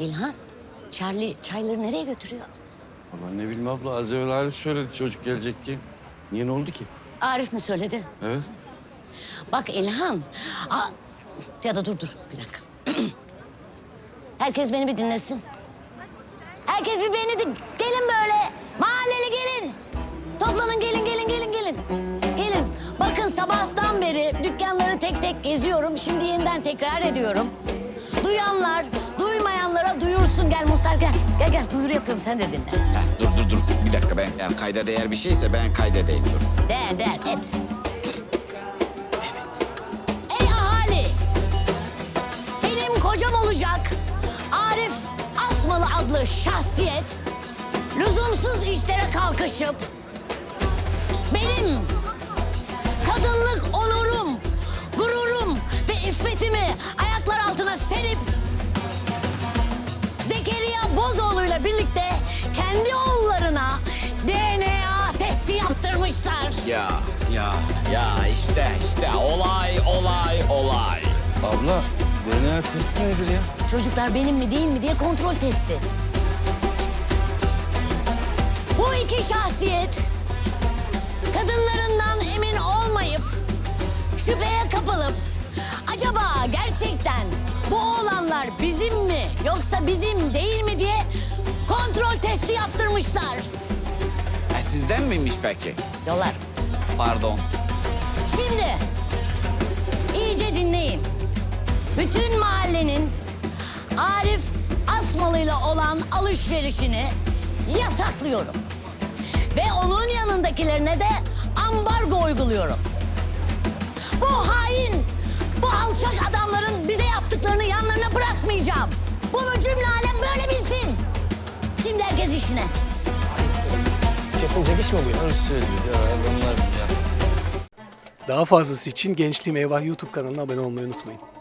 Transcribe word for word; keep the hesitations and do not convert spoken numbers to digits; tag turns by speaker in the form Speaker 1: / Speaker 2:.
Speaker 1: İlhan, Charlie çayları nereye götürüyor?
Speaker 2: Vallahi ne bileyim abla, az evvel Arif söyledi çocuk gelecek diye. Niye, ne oldu ki?
Speaker 1: Arif mi söyledi?
Speaker 2: Evet.
Speaker 1: Bak İlhan, aa, ya da dur dur bir dakika. Herkes beni bir dinlesin. Herkes bir beni de gelin böyle. Mahalleli gelin. Toplanın gelin gelin gelin gelin. Gelin. Bakın sabahtan beri dükkanları tek tek geziyorum. Şimdi yeniden tekrar ediyorum. Duyanlar duymayanlara duyursun. Gel muhtar gel. Gel gel duyuru yapıyorum sen de dinle.
Speaker 3: Heh, dur dur dur. Bir dakika, ben yani kayda değer bir şeyse ben kaydedeyim, dur.
Speaker 1: Der der et. Ey ahali! Benim kocam olacak Arif Asmalı adlı şahsiyet lüzumsuz işlere kalkışıp benim kadınlık onurum, gururum ve iffetimi ayaklar altına serip Zekeriya Bozoğlu'yla birlikte kendi oğullarına D N A testi yaptırmışlar.
Speaker 3: Ya ya ya işte işte olay olay olay.
Speaker 2: Abla, D N A testi nedir ya?
Speaker 1: Çocuklar benim mi değil mi diye kontrol testi. Bu iki şahsiyet kadınlarından emin olmayıp şüpheye kapılıp acaba gerçekten bu oğlanlar bizim mi yoksa bizim değil mi diye kontrol testi yaptırmışlar.
Speaker 3: E, sizden miymiş peki?
Speaker 1: Yollar.
Speaker 3: Pardon.
Speaker 1: Şimdi iyice dinleyin. Bütün mahallenin Arif Asmalı'yla olan alışverişini yasaklıyorum. Ve onun yanındakilerine de ambargo uyguluyorum. Bu hain, bu alçak adamların bize yaptıklarını yanlarına bırakmayacağım. Bunu cümle alem böyle bilsin. Şimdi herkes işine.
Speaker 4: Yapılacak iş mi bu ya?
Speaker 2: Öyle söylüyor ya adamlar ya.
Speaker 4: Daha fazlası için Gençliğim Eyvah YouTube kanalına abone olmayı unutmayın.